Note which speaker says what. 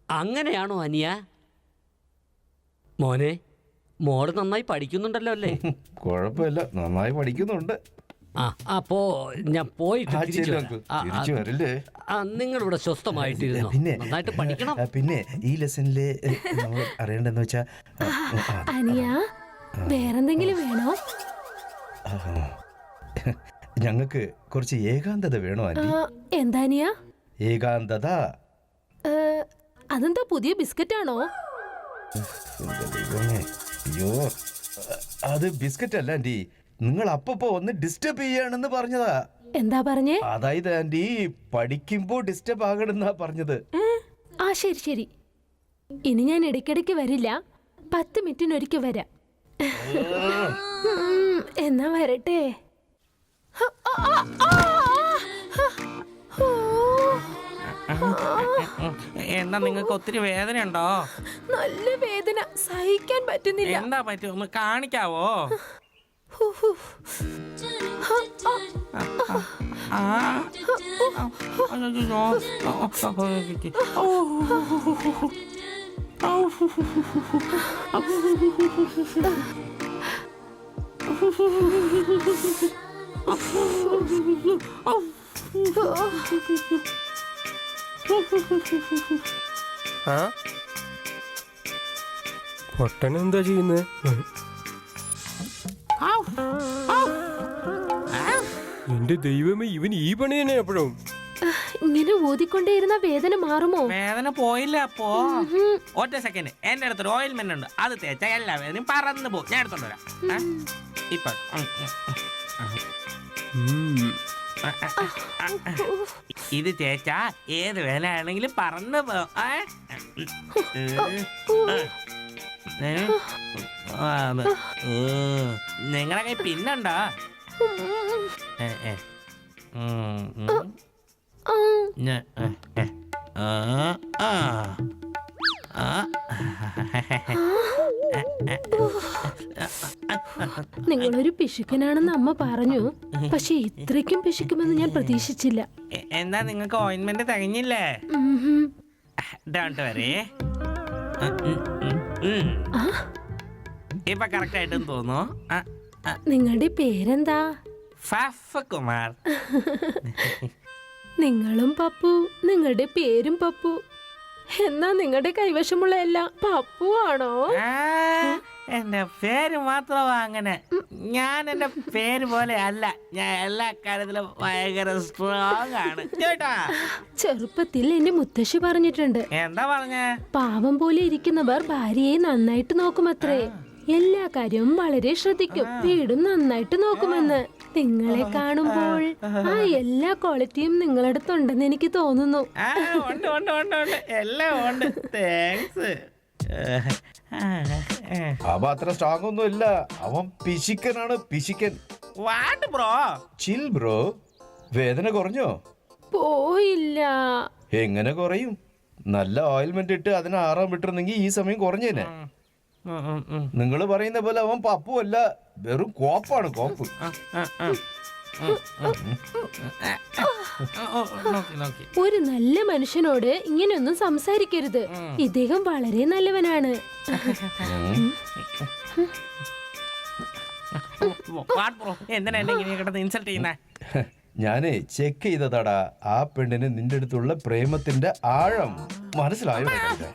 Speaker 1: അങ്ങനെയാണോ അനിയ? മോനെ, മോള് നന്നായി പഠിക്കുന്നുണ്ടല്ലോ അല്ലേ?
Speaker 2: കുഴപ്പമില്ല, നന്നായി പഠിക്കുന്നുണ്ട്.
Speaker 1: അപ്പോ ഞാൻ പോയിട്ട്
Speaker 2: തിരിച്ചു വരില്ലേ?
Speaker 1: നിങ്ങളിവിടെ സ്വസ്ഥമായിട്ടിരുന്നു.
Speaker 2: പിന്നെ
Speaker 1: നന്നായിട്ട് പഠിക്കണം.
Speaker 2: പിന്നെ ഈ ലെസണില് നമ്മൾ അറിയേണ്ടെന്ന് വെച്ചാ
Speaker 3: അനിയ, വേറെന്തെങ്കിലും വേണോ?
Speaker 2: ഞങ്ങൾക്ക് കുറച്ച് ഏകാന്തത വേണോ ആന്റി?
Speaker 3: എന്താ അനിയ?
Speaker 2: ഏകാന്തത.
Speaker 3: അതെന്താ, പുതിയ ബിസ്ക്കറ്റ് ആണോ?
Speaker 2: അയ്യോ, അത് ബിസ്ക്കറ്റ് അല്ല ആന്റി. നിങ്ങൾ അപ്പപ്പോ ഒന്ന് ഡിസ്റ്റർബ് ചെയ്യാണെന്ന് പറഞ്ഞതാ.
Speaker 3: എന്താ പറഞ്ഞേ?
Speaker 2: അതായത് ആന്റി, പഠിക്കുമ്പോ ഡിസ്റ്റർബ് ആകണമെന്നാ പറഞ്ഞത്.
Speaker 3: ശരി ശരി, ഇനി ഞാൻ ഇടയ്ക്കിടയ്ക്ക് വരില്ല, 10 മിനിറ്റിനൊരിക്കൽ വരാം. എന്നാ വരട്ടെ.
Speaker 4: എന്താ, നിങ്ങൾക്ക് ഒത്തിരി വേദന ഉണ്ടോ?
Speaker 3: നല്ല വേദന, സഹിക്കാൻ പറ്റുന്നില്ല.
Speaker 4: എന്താ പറ്റും, ഒന്ന് കാണിക്കാവോ?
Speaker 5: പൊട്ടനെന്താ ചെയ്യുന്നത്? എന്റെ ദൈവമേ, ഇവൻ ഈ പണി തന്നെ എപ്പോഴും.
Speaker 3: ഇങ്ങനെ ഊതിക്കൊണ്ടേയിരുന്ന വേദന മാറുമോ?
Speaker 4: വേദന പോയില്ല. അപ്പോ ഒറ്റ സെക്കൻഡ്, എന്റെ അടുത്തൊരു ഓയിൽമെന്റ് ഉണ്ട്, അത് തേച്ചാ എല്ലാ വേദനയും പറന്നു പോകും. ഞാൻ എടുത്തോണ്ട് വരാം. ഇപ്പൊ ഇത് തേച്ചാ ഏത് വേദന ആണെങ്കിലും പറന്നു പോകും. നിങ്ങളെ കൈ പിന്നുണ്ടോ?
Speaker 3: നിങ്ങളൊരു പിശുക്കനാണെന്ന് അമ്മ പറഞ്ഞു, പക്ഷെ ഇത്രയ്ക്കും പിശുക്കുമെന്ന് ഞാൻ പ്രതീക്ഷിച്ചില്ല.
Speaker 4: എന്താ, നിങ്ങൾക്ക് ഓയിൻമെന്റ് തികഞ്ഞില്ലേ? ഡോണ്ട് വരി, ഇപ്പൊ കറക്റ്റ് ആയിട്ടും തോന്നുന്നു.
Speaker 3: നിങ്ങളുടെ പേരെന്താ?
Speaker 4: കുമാർ.
Speaker 3: നിങ്ങളും പപ്പു, നിങ്ങളുടെ പേരും പപ്പു. എന്നാ നിങ്ങളുടെ കൈവശമുള്ള എല്ലാം പപ്പു ആണോ?
Speaker 4: എന്റെ പേര് മാത്രമാ അങ്ങനെ. ഞാൻ എന്റെ പേര് പോലെ അല്ല, ഞാൻ എല്ലാ കാര്യത്തിലും ഭയങ്കര സ്ട്രോങ് ആണ് കേട്ടാ.
Speaker 3: ചെറുപ്പത്തിൽ എന്റെ മുത്തശ്ശി പറഞ്ഞിട്ടുണ്ട്.
Speaker 4: എന്താ പറഞ്ഞ?
Speaker 3: പാവം പോലെ ഇരിക്കുന്നവർ ഭാര്യയെ നന്നായിട്ട് നോക്കുമത്രേ. എല്ലാ കാര്യവും വളരെ ശ്രദ്ധിക്കും, വീടും നന്നായിട്ട് നോക്കുമെന്ന്. നിങ്ങളെ കാണുമ്പോൾ ആ എല്ലാ ക്വാളിറ്റിയും നിങ്ങളടുത്തുണ്ടെന്ന് എനിക്ക് തോന്നുന്നു.
Speaker 4: എല്ലാം ഉണ്ട്. താങ്ക്സ്.
Speaker 2: അവ അത്ര സ്ട്രോങ് ഒന്നും ഇല്ല. അവൻ പിശിക്കനാണ്, പിശിക്കൻ.
Speaker 4: What bro?
Speaker 2: Chill bro. വേദന കുറഞ്ഞോ?
Speaker 3: പോയില്ല.
Speaker 2: എങ്ങനെ കുറയും? നല്ല ഓയിൽമെന്റ് ഇട്ട് അതിനെ ആറാൻ വിട്ടിരുന്നെങ്കിൽ ഈ സമയം കുറഞ്ഞേനെ. നിങ്ങൾ പറയുന്ന പോലെ അവൻ പപ്പു അല്ല, വെറും കോപ്പാണ്, കോപ്പ്.
Speaker 3: ഒരു നല്ല മനുഷ്യനോട് ഇങ്ങനെയൊന്നും സംസാരിക്കരുത്. ഇദ്ദേഹം വളരെ നല്ലവനാണ്.
Speaker 4: എന്തിനാ എന്നെ ഇങ്ങനെ കിടന്ന് ഇൻസൾട്ട് ചെയ്യുന്നേ?
Speaker 2: ഞാനേ ചെക്ക് ചെയ്തതാടാ ആ പെണ്ണിന് നിന്റെ അടുത്തുള്ള പ്രേമത്തിന്റെ ആഴം മനസ്സിലായോ?